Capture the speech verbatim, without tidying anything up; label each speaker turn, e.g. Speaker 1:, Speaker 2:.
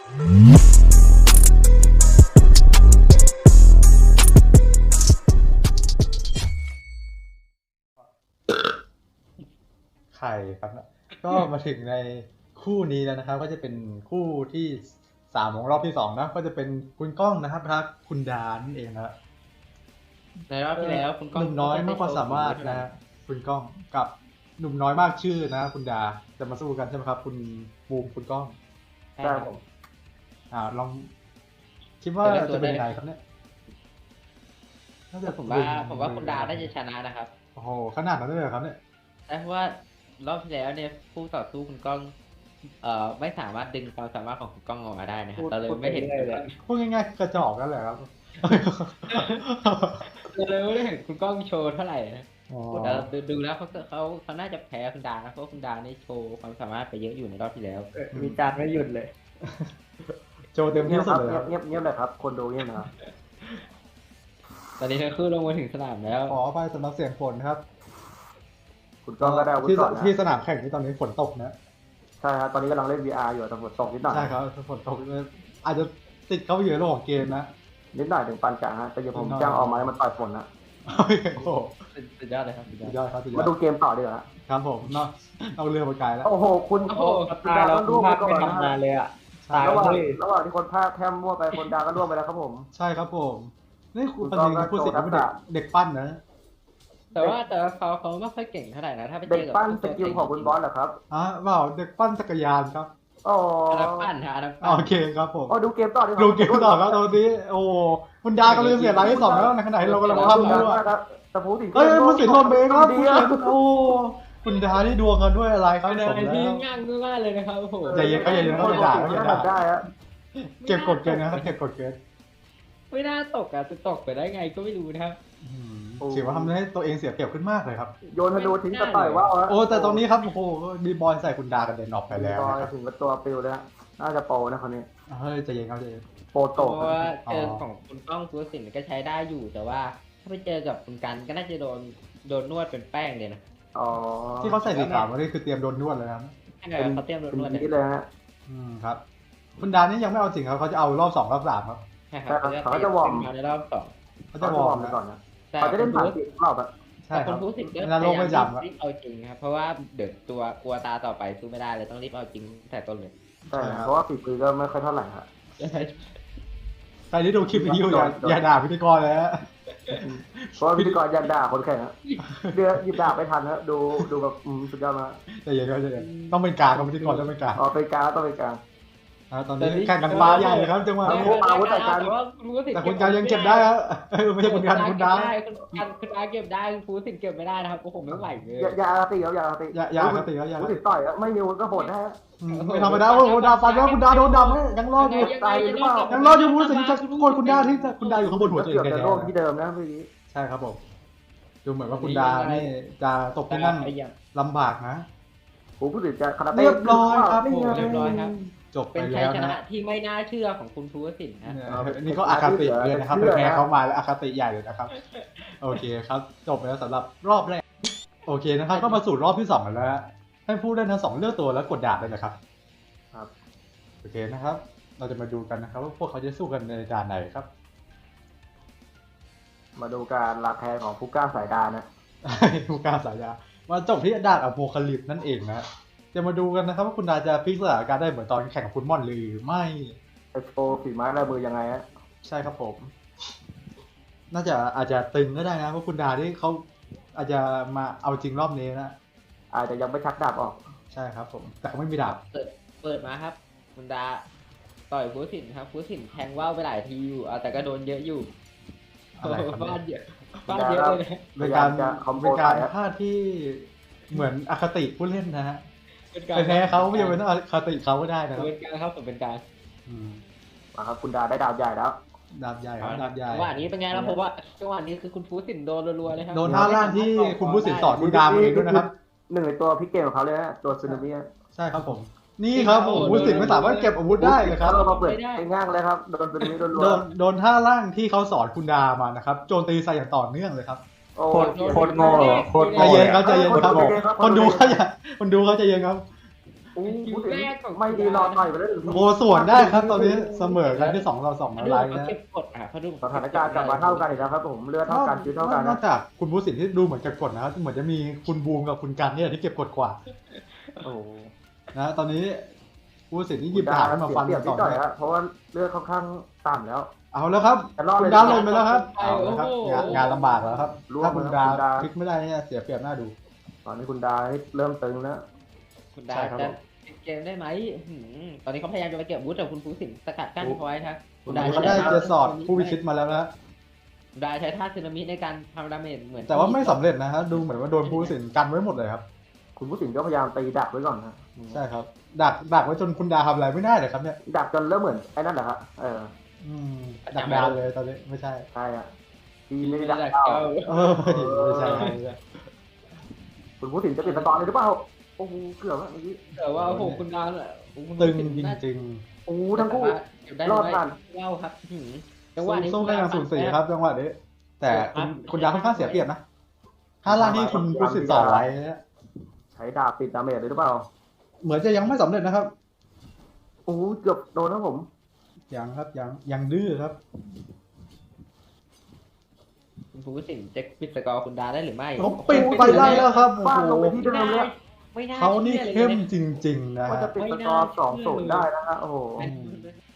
Speaker 1: ใครครับก็มาถึงในคู่นี้แล้วนะครับก็จะเป็นคู่ที่สามของรอบที่สองนะก็จะเป็นคุณก้องนะครับครับคุณดานั่นเองนะ
Speaker 2: ในรอบที่แล้วคุณก้อง
Speaker 1: หนุ่มน้อยมากความสามารถนะคุณก้องกับหนุ่มน้อยมากชื่อนะคุณดาจะมาสู้กันใช่ไหมครับคุณบูมคุณก้อง
Speaker 2: ใช่ครับผม
Speaker 1: อ่าลองคิดว่าจะเป็นยังไงครับเนี่ย
Speaker 2: แต่ผมว่าผมว่าคุณดาน่าจะชนะนะครับ
Speaker 1: โอ้โหขนาดนั้นเลยเหรอครับเนี่ย
Speaker 2: ใช่เพราะว่ารอบที่แล้วเนี่ยผู้ต่อสู้คุณก้องเอ่อไม่สามารถดึงความสามารถของคุณก้องออกมาได้นะครับเราเลยไม่เห็นเลย
Speaker 1: พูดง่ายๆกระจอกนั่นแหละครับ
Speaker 2: เราเลยไม่ได้เห็นคุณก้องโชว์เท่าไหร่นะ
Speaker 1: อ๋อ
Speaker 2: แต่ดูดูแล้วเขาเขาเขาน่าจะแพ้คุณดานะเพราะคุณดานี่โชว์ความสามารถไปเยอะอยู่ในรอบที่แล้ว
Speaker 3: มีจานไม่หยุดเลย
Speaker 1: โจเต็ม
Speaker 3: เงี
Speaker 1: ที่
Speaker 3: ยบค
Speaker 1: สุ
Speaker 3: รั
Speaker 1: ด
Speaker 3: บ
Speaker 1: เลยครับ
Speaker 3: เงียบเงียบเลยครับ คนดูเงียบนะครับ
Speaker 2: ตอนนี้ทั้งคู่ลงมาถึงสนามแล้ว
Speaker 1: ขอไปสำหรับเสียงฝนครับ
Speaker 3: คุณก้องก็ได้อาวุธ
Speaker 1: ที่
Speaker 3: ก่อนนะ
Speaker 1: ที่สนามแข่งที่ตอนนี้ฝนตกนะ
Speaker 3: ใช่ครับตอนนี้กำลังเล่น วี อาร์ อยู่แต่ฝนตกนิดหน่อย
Speaker 1: ใช่ครับฝนตกอาจจะติดเข้าไปอยู่ในโลกของเกมนะ
Speaker 3: นิดหน่อยถึงปานกลางฮะแต่เดี๋ยวผม
Speaker 1: นิดหน่อย
Speaker 3: จ้างออกมาให้มันต่อยฝนนะ
Speaker 1: โอ้โห
Speaker 2: สุดยอดเลยครับสุดยอ
Speaker 1: สุ
Speaker 2: ด
Speaker 1: ดยอดครับสุดยอ
Speaker 3: มา
Speaker 1: ด
Speaker 3: ดูเกมต่อดีกว่าฮะ
Speaker 1: ครับผมเนาะเอาเรือมาไกลแล้ว
Speaker 3: โอ้โหคุณ
Speaker 2: โอ้โห
Speaker 3: คุณดาก็ร่วงไปก่อนนะฮะ
Speaker 4: เลยอ่ะ
Speaker 1: ใช่
Speaker 3: ระหว่างระหว่างที่คนภาคแคมมั่วไปคนดาก็ร่วงไปแล้วครับผม
Speaker 1: ใช่ครับผมนี่คุณ
Speaker 3: คุ
Speaker 1: ปั
Speaker 3: ณ
Speaker 1: ญ
Speaker 3: ก้อง
Speaker 1: ญา
Speaker 3: ก็
Speaker 1: พูดเสร็จก็เป็นเด็ก
Speaker 3: โชว์ทักษะ
Speaker 1: เด็กปั้นนะ
Speaker 2: แต่ว่าแต่ว่าเขาเขาไม่ค่อยเก่งเท่าไหร่นะถ้าไป
Speaker 3: เด็
Speaker 2: เจ
Speaker 3: ก
Speaker 2: อกับ
Speaker 3: ปั้นสกิลของคุณบอสเหรอครับ
Speaker 1: อ่ะเปล่าเด็กปั้นจักรยานครับ
Speaker 3: โอ้
Speaker 2: อันนั้นปั้นฮะอันนั้นปั้น
Speaker 1: โอเคครับผม
Speaker 3: โอ้ดูเกมต่อดีกว่า
Speaker 1: ดูเกมต่อครับตอนนี้โอ้คุณดาก็เลยเสียรายที่สองแล้วในขณะที่เรากำลัง
Speaker 3: คุณ
Speaker 1: ทำ
Speaker 3: ดา
Speaker 1: ด้วย
Speaker 3: ครับแต่พูดถึง
Speaker 1: เอ้ยมันสิทธิ์ทนเบงครับ
Speaker 3: ดี
Speaker 1: คุณ
Speaker 3: อะ
Speaker 1: เห็นโอ้คุณดาที่ดวงกันด้วยอะไรครับ
Speaker 2: เป็น
Speaker 1: ส
Speaker 2: อะ
Speaker 1: ม
Speaker 2: ไร
Speaker 1: แล้
Speaker 2: ที่
Speaker 1: ว
Speaker 2: ง่ายมากเลยนะครับโอ้โห
Speaker 1: ใจเย็นก็ใจเย็น
Speaker 3: คน
Speaker 1: อย่าด่า
Speaker 3: ปกติ
Speaker 1: อย่า
Speaker 3: ก็
Speaker 1: ด่า
Speaker 3: ทำได้ฮะ
Speaker 1: เก็บกดเกณฑ์นะครับเก็บกดเกณฑ์
Speaker 2: ไม่น่าตกอ่ะจะตกไปได้ไงก็ไม่รู้นะครับ
Speaker 1: อืมถือว่าทำให้ตัวเองเสียเปรียบขึ้นมากเลยครับ
Speaker 3: โยนธนูทิ้งกระต่ายว่าวฮะ
Speaker 1: โอ้แต่ตรงนี้ครับโอ้โหมีบอลใส่คุณดากระเด็นออกไปแล้ว
Speaker 3: บอล
Speaker 1: นะครับ
Speaker 3: ถึงกับตัวปิวเลยฮะน่าจะโปรนะคนนี้
Speaker 1: เฮ้ยใจเย็นครับใจเย็น
Speaker 3: โปร
Speaker 2: เพ
Speaker 3: โต
Speaker 2: ราะ
Speaker 3: ก
Speaker 2: ว่าเจอของคุณก้องสุวสินก็ใช้ได้อยู่แต่ว่าถ้าไปเจอกับคุณกันก็น่าจะโดนโดนนวดเป็นแป้งเลยนะ
Speaker 3: อ๋อ
Speaker 1: ที่เขาใส่สีขาวมานี่คือเตรียมโดนนวดเลยครับ
Speaker 2: ใช่ไหมเขาเตรียมโดน
Speaker 3: เป็น
Speaker 2: นวด
Speaker 3: อย่าง
Speaker 2: เนี่ย
Speaker 3: นี้เลยฮะ
Speaker 1: อืมครับ คุณดานี่ยังไม่เอาจริงครับเขาจะเอารอบสองรอบสามครับ
Speaker 2: ใช่ครับเขาจะวอร์มในรอบสอง
Speaker 1: เขา
Speaker 3: เขา
Speaker 1: จะ
Speaker 3: จะ
Speaker 1: ว
Speaker 3: ว
Speaker 1: อ
Speaker 3: อ
Speaker 1: ร์
Speaker 3: ร์
Speaker 1: ม
Speaker 3: มไป
Speaker 1: นะ
Speaker 3: ก่อนนะ
Speaker 2: แต่
Speaker 3: เขาจะ
Speaker 2: คุ
Speaker 3: เล่
Speaker 2: ณ
Speaker 3: นผ่าน
Speaker 2: รู้
Speaker 3: สี่รอบอะ
Speaker 1: ใช่
Speaker 2: แต่
Speaker 1: ค
Speaker 2: คุ
Speaker 1: รั
Speaker 2: ณ
Speaker 1: บ
Speaker 2: รู้สึกก็
Speaker 1: นรกไม่จำครับ
Speaker 2: รีบเอาจริงครับเพราะว่าเดี๋ยวตัวกลัวตาต่อไปสู้ไม่ได้เลยต้องรีบเอาจริงแต่ต้นเลย
Speaker 3: ใช่เพราะว่าฝีมือก็ไม่ค่อยเท่าไหร่ฮะ
Speaker 1: ใครที่ดูคลิปวิดีโออย่าอย่าด่าพิธีกรเลยฮะ
Speaker 3: เพราะว่าพิธีกรยันด่าคนแข่งฮะเดือหยิบดาบไม่ทันฮะดูดูแบบอืมสุดยอดมาก
Speaker 1: ใจเย็นครับใจเย็นต้องเป็นกลางครับพิธีกรต้องเป็นกลาง
Speaker 3: อ๋อไปกลางต้องไปกลาง
Speaker 1: อ่าตอนนี้แข่งกันฟ้าใหญ่เลยครับจังหวะ
Speaker 3: โอ้
Speaker 1: นี้
Speaker 3: โห อาวุธแต่การ
Speaker 2: แต่ว่าคุณรู้สึก
Speaker 1: แต่คุณการยังเก็บได้ครับเออไม่ใช่คุณการคุณดา
Speaker 2: คุณการคุณดาเก็บได้คุณฟูสินเก็บไม่ได้นะครับโอ้โหไม่ไหวเลย
Speaker 3: อย่าอย่าอาติครับอย่าอาติ
Speaker 1: อย่าอย่าคติครับอย่า
Speaker 3: รู้สึกต่อยอะไม่มีก็โหดนะฮะ
Speaker 1: อืมไม่ธรรมดาโอ้โหดาฟันแล้วคุณดาโดนดำให้ยังรอดอยู่
Speaker 3: ตายหรือเปล่า
Speaker 1: ยังรอดอยู่รู้สึกจะโกนคุณดาที่คุณดาอยู่ข้างบนหัวตัวเอ
Speaker 3: เกื
Speaker 1: ง
Speaker 3: อบ
Speaker 1: แก
Speaker 3: จะร่วมที่เดิมนะเมื่อกี้
Speaker 1: ใช่ครับผมดูเหมือนว่าคุณดานี่จะตกที่นั่งลำบากนะ
Speaker 3: ผมพูดถึงจะคาราเต้
Speaker 1: เรียบร้อยครับ
Speaker 3: นี่ไง
Speaker 2: เรียบร้อยครับ
Speaker 1: จบไป
Speaker 2: เป็นชัย
Speaker 1: แล้ว
Speaker 2: ชนะ
Speaker 1: นะ
Speaker 2: ที่ไม่น่าเชื่อของคุณฟูสินนะ
Speaker 1: เนี่ยนี่ก็อคติเลยนะครับไปแพ้เขามาแล้วอคติใหญ่เลยนะครับ โอเคครับ จบไปแล้วสำหรับรอบแรก โอเคนะครับ ก็มาสู่รอบที่สองกันแล้วให้ผู้เล่นทั้งสองเลือกตัวแล้วกดดาบเลยนะครับ
Speaker 3: ครับ
Speaker 1: โอเคนะครับ เราจะมาดูกันนะครับว่าพวกเขาจะสู้กันในด่านไหนครับ
Speaker 3: มาดูการลาแทนของผู้กล้าสายดานะ
Speaker 1: ผู้กล้าสายยามาจบที่ด่านอโพคาลิปส์นั่นเองนะจะมาดูกันนะครับว่าคุณดาจะพลิกสถานการณ์ได้เหมือนตอนแข่งกับคุณม่อนหรือไม่
Speaker 3: เอ็กโปฝีไม้ลายมือยังไงฮะ
Speaker 1: ใช่ครับผม น่าจะอาจจะตึงก็ได้นะเพราะคุณดาที่เขาอาจจะมาเอาจริงรอบนี้นะ
Speaker 3: อาจจะยังไม่ชักดาบออก
Speaker 1: ใช่ครับผม แต่เขาไม่มีดาบ
Speaker 2: เปิดเปิดมาครับคุณดาต่อยฟูสินครับฟูสินแทงว่าวไปหลายทีอยู่เอาแต่ก็โดนเยอะอยู่
Speaker 1: อะไรครับ
Speaker 2: ฟา
Speaker 1: เนี่ย
Speaker 2: ดเยอะฟาดเยอะเลยนะ
Speaker 1: เป็นการ
Speaker 3: พยายามจะคอมโบ
Speaker 1: เป็นการ
Speaker 3: ใส่อะ
Speaker 1: พลาดที่เหมือนอคติผู้เล่นนะฮะ
Speaker 2: เป็นการ
Speaker 1: ไปแพ้เขาไม่จำเป็นต้องอคติเขาก็ได้นะครับ
Speaker 2: เป็นการครับผมเป็นการ
Speaker 1: อืม
Speaker 3: มาครับคุณดาได้ดาบใหญ่แล้ว
Speaker 1: ดาบใหญ่ครับดาบใหญ่
Speaker 2: จังหวะนี้เป็นไงแล้วผมว่าจังหวะนี้คือคุณฟูสินโดนรัวๆเลยครับ
Speaker 1: โดนท่าล่างที่คุณผู้สินสอนคุณดามาเองด้วยนะครับ
Speaker 3: หนึ่งในตัวพิกเกมของเขาเลยฮะตัวซึนามิ
Speaker 1: ใช่ครับผม นี่ครับผมผู้สินไม่สามารถเก็บอาวุธได้เลยครับ
Speaker 3: เขามาเปิดง่างเลยครับโดนซึนามิโดนรัว
Speaker 1: โดนโดนท่าล่างที่เขาสอนคุณดามานะครับโจมตีใส่อย่างต่อเนื่องเลยครับ
Speaker 3: โอ้
Speaker 4: โคตรโคตรโง่โคตร
Speaker 1: ใจ
Speaker 4: โง่
Speaker 1: เย็นครับใจเย็นครับคนดูเขาอย่าคนดูเขาใจเย็นครับ
Speaker 3: โอ้อู้พูดถึงไม่ดีรอต่อยไปแล้วหนึ่งที
Speaker 1: โอ้ส่วนได้ครับตอนนี้เสมอกันที่สองต่อสอง
Speaker 2: เขา
Speaker 1: อะไร
Speaker 2: ดูเขา
Speaker 1: นะ
Speaker 2: เก็บกดอ่ะเขาดู
Speaker 3: สถานการณ์กลับมาเท่ากันอีกแล้วครับผมเลือดเท่ากันชีวิตเท่ากัน
Speaker 1: นอ
Speaker 3: นะ
Speaker 1: กจากคุณผู้สินที่ดูเหมือนจะกดนะครับเหมือนจะมีคุณบูมกับคุณกันเนี่ยที่เก็บกดกว่า
Speaker 3: โอ้
Speaker 1: นะตอนนี้ผู้สินที่หยิบดาบขึ้นมาฟัน
Speaker 3: เสีย
Speaker 1: กัน
Speaker 3: นิ
Speaker 1: ต่
Speaker 3: ด
Speaker 1: อ
Speaker 3: หน่อย
Speaker 1: เนื่อง
Speaker 3: ฮะเพราะว่าเลือดค่อนข้างต่ำแล้ว
Speaker 1: เอาแล้วครับ
Speaker 3: จะรอด
Speaker 1: คุ
Speaker 3: เล
Speaker 1: ณ
Speaker 3: ย
Speaker 1: ดาวลงไปแล้วครับเอาแล้วครับงานงานลำบากแล้วครับ
Speaker 3: ร่วง
Speaker 1: ถ้าคุณ
Speaker 3: แล้ว
Speaker 1: ดาว
Speaker 3: คุณดาว
Speaker 1: พลิกไม่ได้เนี่ยเสียเปรียบหน้าดู
Speaker 3: ตอนนี้คุณดาเริ่มตึงแล้ว
Speaker 2: คุณดา
Speaker 1: ใช่ครับ
Speaker 2: จะ
Speaker 1: ผม
Speaker 2: ปิดเกมได้ไหมหืมตอนนี้เขาพยายามจะไปเก็บวุฒิแต่คุณฟูสินสกัดกั้นเขาไว้ครับ
Speaker 1: คุณดาวเขาได้เจสอดผู้พิชิตมาแล้วนะ
Speaker 2: คุณดาใช้ท่าสึนามิในการทำดาเมจเหมือน
Speaker 1: แต่ว่าไม่สำเร็จนะฮะดูเหมือนว่าโดนผู้สินกันไว้หมดเลยครับ
Speaker 3: คุณผู้สินก็พยายามตีดักไว้ก่อนนะ
Speaker 1: ใช่ครับดักดักไว้จนคุณดาวทำอะไรไม่ได้เลยครับเนี่ย
Speaker 3: ดักจนเริ่มเหมือนไอ้นั่นแหละครับเออ
Speaker 1: อืมดักดาวเลยตอนนี้ไม่ใช่
Speaker 3: ใช่อ่ะทีไม่ได้
Speaker 2: ไม่
Speaker 3: ดัก
Speaker 2: ได้
Speaker 3: เอา
Speaker 1: เออไม่ใช่ไม่ใช่
Speaker 3: คุณผู้สินจะปิดสกอร์เลยหรือเปล่าโอ้โหเกือบแล้วเมื่อกี้
Speaker 2: แต่ว่าโอ้โหคุณดาเนี่ยโอ้โหคุณ
Speaker 1: ตึง
Speaker 2: ฟูสิน
Speaker 1: จ
Speaker 2: น่า
Speaker 1: ริง
Speaker 3: โอ้โหทั้งคู่
Speaker 2: เก็บได้
Speaker 3: รอด
Speaker 2: ไหม
Speaker 3: ผ่าน
Speaker 2: เล่าครับหืม
Speaker 1: ๆ
Speaker 2: จังหวะนี้
Speaker 1: สู้กันอย่างสูสีครับจังหวะนี้แต่คุณคุณดาวค่อนข้างเสียเปรียบนะถ้าล่างนี่คุณผู้สินต่อไว้เนี่ย
Speaker 3: ใช้ดาบปิดดาเมจเลยหรือเปล่า
Speaker 1: เหมือนจะยังไม่สำเร็จนะครับ
Speaker 3: โอ้โหเกือบโดนนะผม
Speaker 1: ยังครับยังยังดื้อครับ
Speaker 2: คุณฟูสินจะปิดสกอร์คุณดาได้หรือไม่
Speaker 1: เขาปิดไปได้แล้วครับโอ้
Speaker 3: ฟาดลง
Speaker 1: โห
Speaker 3: ไปที่เดิมแล้ว
Speaker 2: ไม่น่า
Speaker 1: เขานี่
Speaker 2: ชื่อลย
Speaker 1: เข้ม
Speaker 2: นะ
Speaker 1: จริง ๆ นะ
Speaker 3: ว่า
Speaker 1: ฮะ
Speaker 3: จะปิดสกอร์สองศูนย์ได้นะฮะโอ้โห
Speaker 1: อืม